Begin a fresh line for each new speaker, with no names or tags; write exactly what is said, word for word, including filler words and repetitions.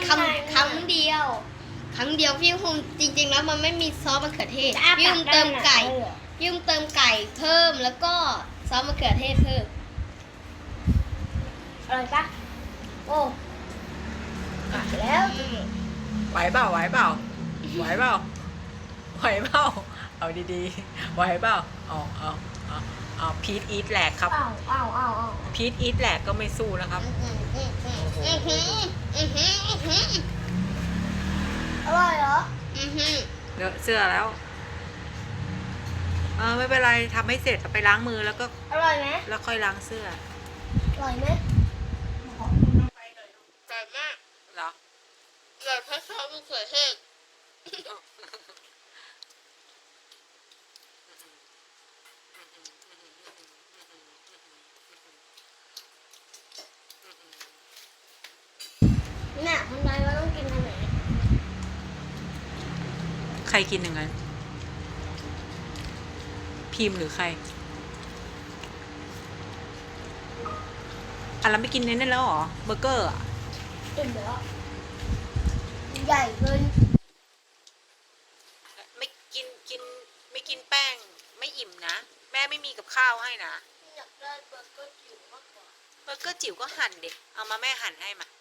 คำครั้งเดียวครั้งเดียวพี่ภูมิจริงๆแล้วมันไม่มีซอสมะเขือเทศพี่ภูมิเติมไก่พี่ภูมิเติมไก่เพิ่มแล้วก็ซอสมะเขือเทศเพิ่มอร่อยปะโอ้แล้ว
ไหวเปล่าไหวเปล่าไหวเปล่าไหวเปล่าเอาดีๆไหวเปล่าเอาเอาเอาเอาพีทอีทแหลกครับ
อ้าวอ้าวอ้าวอ้าว
พีทอีทแหลกก็ไม่สู้นะครับ
อือหืออือหืออือหืออร่อยเหรออือหือ
เลอะเสื้อแล้วเออไม่เป็นไรทำให้เสร็จไปล้างมือแล้วก็
อร่อยไหม
แล้วค่อยล้างเสื้อ
อร่อยไหมแต่มาก
เหรอ
อยากให้ซอสมะเขือเทศเนี่ยคนไทยเราต้องกินอันไหน
ใครกินอย่างนั้นพิมพ์หรือใครอ่ะเราไม่กินเน้นแล้วเหรอเบอร์เกอร์อ่ะ
อิ่มแล้วใหญ่เกิน
ไม่กินกินไม่กินแป้งไม่อิ่มนะแม่ไม่มีกับข้าวให้นะ
อยากได้เบอร์เกอร์จิ๋วมากกว่า
เบอร์เกอร์จิ๋วก็หั่นเด็กเอามาแม่หั่นให้มา